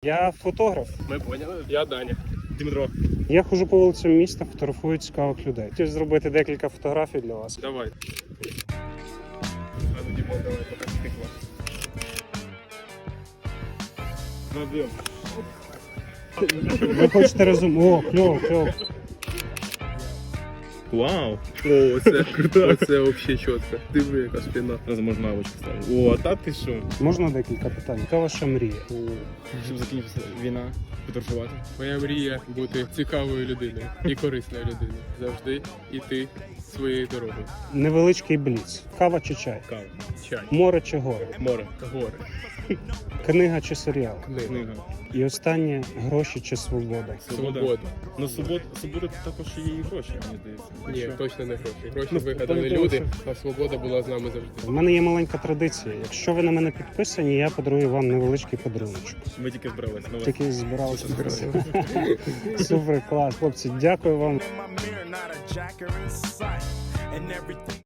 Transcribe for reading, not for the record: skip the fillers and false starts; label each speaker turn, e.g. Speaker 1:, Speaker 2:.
Speaker 1: Я фотограф.
Speaker 2: Ми поняли. Я Даня. Дмитро.
Speaker 1: Я ходжу по вулицям міста, фотографую цікавих людей. Хотів зробити декілька фотографій для вас.
Speaker 2: Давай. А ну, Дімон, давай, покажи тикла. Заб'ємо.
Speaker 1: Ви хочете О, кльово, кльово.
Speaker 2: Вау! О, це круто. Це взагалі чітко. Диви, яка спина. Зараз можна навичку ставити. О, а та ти що?
Speaker 1: Можна декілька питань? Яка ваша мрія?
Speaker 2: Щоб закінчилася війна, подорожувати. Моя мрія бути цікавою людиною і корисною людиною. Завжди йти своєю дорогою.
Speaker 1: Невеличкий бліц. Кава чи чай?
Speaker 2: Кава, чай,
Speaker 1: Море чи гори?
Speaker 2: море, гори,
Speaker 1: Книга чи серіал?
Speaker 2: книга,
Speaker 1: І останнє гроші чи свобода?
Speaker 2: свобода. Ну, свобода також є і гроші, мені здається. Ні, точно не гроші. Гроші вигадали люди, а свобода була з нами завжди.
Speaker 1: У мене є маленька традиція. Якщо ви на мене підписані, я подарую вам невеличкий подарунок.
Speaker 2: Ми тільки збиралися на вас.
Speaker 1: Такий збирався. Супер, клас, хлопці, дякую вам.